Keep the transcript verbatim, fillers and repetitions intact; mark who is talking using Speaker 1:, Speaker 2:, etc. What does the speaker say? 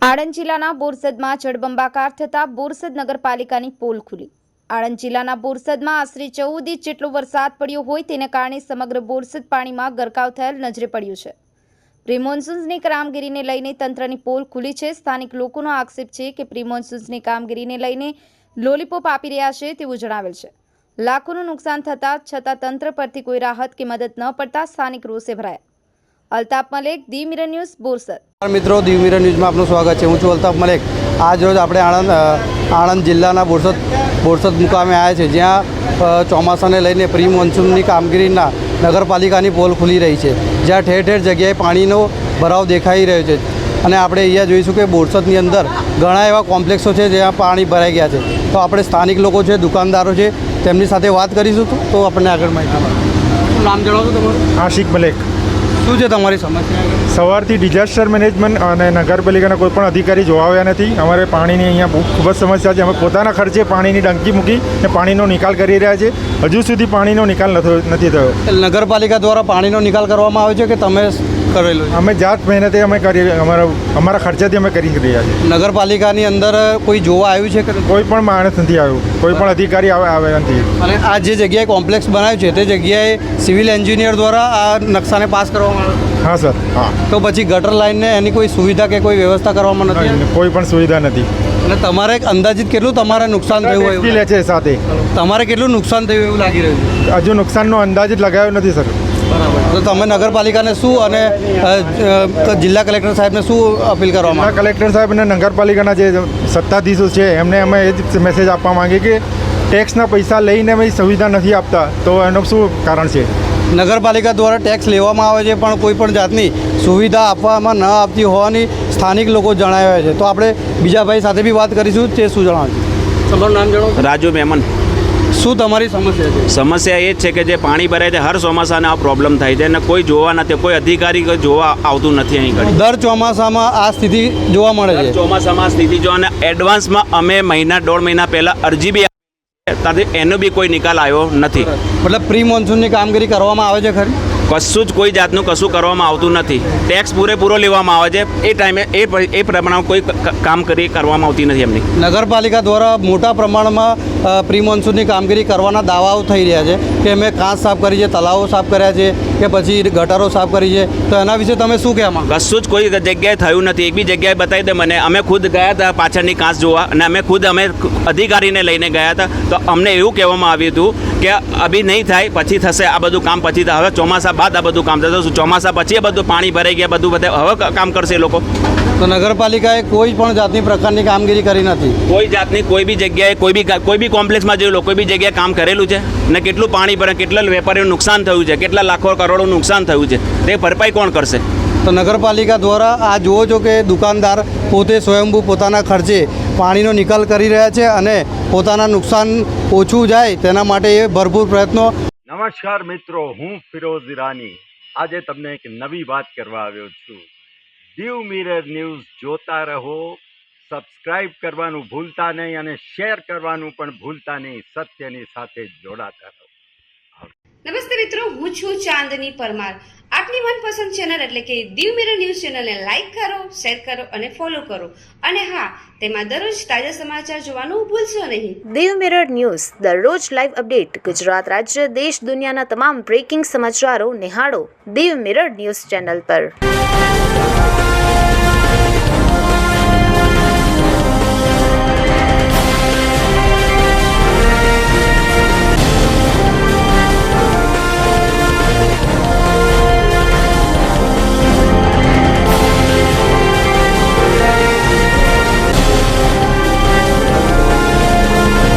Speaker 1: આણંદ જિલ્લાના બોરસદમાં જળબંબાકાર થતાં બોરસદ નગરપાલિકાની પોલ ખુલી। આણંદ જિલ્લાના બોરસદમાં આશરે ચૌદ ઇંચ જેટલો વરસાદ પડ્યો હોય તેને કારણે સમગ્ર બોરસદ પાણીમાં ગરકાવ થયેલ નજરે પડ્યું છે। પ્રી મોન્સૂનની કામગીરીને લઈને તંત્રની પોલ ખુલી છે। સ્થાનિક લોકોનો આક્ષેપ છે કે પ્રી મોન્સૂનની કામગીરીને લઈને લોલીપોપ આપી રહ્યા છે તેવું જણાવેલ છે। લાખોનું નુકસાન થતાં છતાં તંત્ર પરથી કોઈ રાહત કે મદદ ન પડતા સ્થાનિક રોષે ભરાયા। અલ્તાફ મલેક, દી મિરર ન્યૂઝ, બોરસદ।
Speaker 2: મિત્રો, દી મિરર ન્યૂઝમાં આપનું સ્વાગત છે। હું છું અલ્તાફ મલેક। આજ રોજ આપણે આણંદ આણંદ જિલ્લાના બોરસદ બોરસદ મુકામે આવ્યા છે, જ્યાં ચોમાસાને લઈને પ્રી મોન્સૂનની કામગીરીના નગરપાલિકાની પોલ ખુલી રહી છે, જ્યાં ઠેર ઠેર જગ્યાએ પાણીનો ભરાવ દેખાઈ રહ્યો છે। અને આપણે અહીંયા જોઈશું કે બોરસદની અંદર ઘણા એવા કોમ્પ્લેક્સો છે જ્યાં પાણી ભરાઈ ગયા છે। તો આપણે સ્થાનિક લોકો છે, દુકાનદારો છે, તેમની સાથે વાત કરીશું। તો આપણને આગળ માહિતી મળે। નામ જણાવશો તમારું?
Speaker 3: આશિક મલેક।
Speaker 2: શું છે તમારી સમસ્યા?
Speaker 3: સવારથી ડિઝાસ્ટર મેનેજમેન્ટ અને નગરપાલિકાના કોઈ પણ અધિકારી જોવા આવ્યા નથી। અમારે પાણીની અહીંયા બહુ ખૂબ જ સમસ્યા છે। અમે પોતાના ખર્ચે પાણીની ટંકી મૂકી અને પાણીનો નિકાલ કરી રહ્યા છીએ। હજુ સુધી પાણીનો નિકાલ નથી થયો।
Speaker 2: નગરપાલિકા દ્વારા પાણીનો નિકાલ કરવામાં આવે છે કે તમે કરેલો?
Speaker 3: અમે જાત મહેનતે અમે કરી અમારા અમારા ખર્ચાથી અમે કરી રહ્યા છીએ।
Speaker 2: નગરપાલિકાની અંદર કોઈ જોવા આવ્યું છે કે
Speaker 3: કોઈ પણ માણસ નથી આવ્યું, કોઈ પણ અધિકારી આવે નથી।
Speaker 2: અને આ જે જગ્યાએ કોમ્પ્લેક્સ બનાવ્યું છે તે જગ્યાએ સિવિલ એન્જિનિયર દ્વારા આ નકશાને પાસ કરવામાં આવ્યો?
Speaker 3: હા સર, હા।
Speaker 2: તો પછી ગટર લાઇનને એની કોઈ સુવિધા કે કોઈ વ્યવસ્થા કરવામાં નથી?
Speaker 3: કોઈ પણ સુવિધા નથી।
Speaker 2: અને તમારે અંદાજિત કેટલું તમારે નુકસાન થયું હોય?
Speaker 3: લે છે સાથે
Speaker 2: તમારે કેટલું નુકસાન થયું એવું લાગી રહ્યું છે?
Speaker 3: હજુ નુકસાનનો અંદાજ જ લગાવ્યો નથી સર।
Speaker 2: બરાબર। તો તમે નગરપાલિકાને શું અને જિલ્લા કલેક્ટર સાહેબને શું અપીલ કરવામાં?
Speaker 3: જિલ્લા કલેક્ટર સાહેબ અને નગરપાલિકાના જે સત્તાધીશો છે એમને અમે એ જ મેસેજ આપવા માંગીએ કે ટેક્સના પૈસા લઈને અમે સુવિધા નથી આપતા, તો એનું શું કારણ છે?
Speaker 2: નગરપાલિકા દ્વારા ટેક્સ લેવામાં આવે છે પણ કોઈ પણ જાતની સુવિધા આપવામાં ન આપતી હોવાની સ્થાનિક લોકો જણાવ્યા છે। તો આપણે બીજા ભાઈ સાથે બી વાત કરીશું, તે શું જણાવશે? તમારું નામ જણાવો?
Speaker 4: રાજુ મેમન।
Speaker 2: શું તમારી સમસ્યા છે?
Speaker 4: સમસ્યા એ જ છે કે જે પાણી ભરાય છે હર ચોમાસાને આ પ્રોબ્લેમ થાય છે અને કોઈ જોવા નથી, કોઈ અધિકારી કોઈ જોવા આવતું નથી અહીં ઘડી।
Speaker 2: દર ચોમાસામાં આ સ્થિતિ જોવા મળે છે?
Speaker 4: ચોમાસામાં સ્થિતિ જો અને એડવાન્સમાં અમે મહિના દોઢ મહિના પહેલાં અરજી બી ત્યાંથી એનો બી કોઈ નિકાલ આવ્યો નથી।
Speaker 2: મતલબ પ્રી મોન્સૂનની કામગીરી કરવામાં આવે છે ખરી?
Speaker 4: કશું જ કોઈ જાતનું કશું કરવામાં આવતું નથી। ટેક્સ પૂરેપૂરો લેવામાં આવે છે, એ ટાઈમે એ એ પ્રમાણે કોઈ કામ કરી કરવામાં આવતી નથી એમની।
Speaker 2: નગરપાલિકા દ્વારા મોટા પ્રમાણમાં પ્રી મોન્સૂનની કામગીરી કરવાના દાવાઓ થઈ રહ્યા છે કે અમે કાંચ સાફ કરી છે, તલાવો સાફ કર્યા છે કે પછી ગટરો સાફ કરી છે, તો એના વિશે તમે શું કહેવા માંગો?
Speaker 4: કશું જ કોઈ જગ્યાએ થયું નથી। એક બી જગ્યાએ બતાવી દે મને। અમે ખુદ ગયા હતા પાછળની કાંચ જોવા અને અમે ખુદ અમે અધિકારીને લઈને ગયા હતા, તો અમને એવું કહેવામાં આવ્યું હતું કે અભી નહીં થાય, પછી થશે આ બધું કામ, પછી હવે ચોમાસા બાદ આ બધું કામ થશે। ચોમાસા પછી એ બધું પાણી ભરાઈ ગયા, બધું બધા હવે કામ કરશે લોકો।
Speaker 2: તો નગરપાલિકાએ કોઈ પણ જાતની પ્રકારની કામગીરી કરી નથી?
Speaker 4: કોઈ જાતની કોઈ બી જગ્યાએ કોઈ બી કોઈ બી કોમ્પ્લેક્સમાં જોયું લો, કોઈ બી જગ્યાએ કામ કરેલું છે ને કેટલું પાણી ભરે, કેટલા વેપારીઓનું નુકસાન થયું છે, કેટલા લાખો કરોડોનું નુકસાન થયું છે, તે ભરપાઈ કોણ કરશે?
Speaker 2: તો નગરપાલિકા દ્વારા આ જુઓ છો કે દુકાનદાર પોતે સ્વયંભૂ પોતાના ખર્ચે પાણીનો નિકાલ કરી રહ્યા છે અને પોતાના નુકસાન ઓછું જાય તેના માટે એ ભરપૂર પ્રયત્નો।
Speaker 5: નમસ્કાર મિત્રો, હું ફિરોઝ ઈરાની આજે તમને એક નવી વાત કરવા આવ્યો છું। દીવ મિરર ન્યૂઝ જોતા રહો, સબસ્ક્રાઇબ કરવાનું ભૂલતા નહીં અને શેર કરવાનું પણ ભૂલતા નહીં। સત્યની સાથે જોડાતા રહો।
Speaker 6: નમસ્તે મિત્રો, હું છું ચાંદની પરમાર। આપની મનપસંદ ચેનલ એટલે કે દીવ મિરર ન્યૂઝ ચેનલને લાઈક કરો, શેર કરો અને ફોલો કરો। અને હા, તેમાં દરરોજ તાજા સમાચાર જોવાનું ભૂલશો નહીં।
Speaker 7: દીવ મિરર ન્યૂઝ દરરોજ લાઈવ અપડેટ, ગુજરાત રાજ્ય, દેશ દુનિયાના તમામ બ્રેકિંગ સમાચારો નિહાળો દીવ મિરર ન્યૂઝ ચેનલ પર।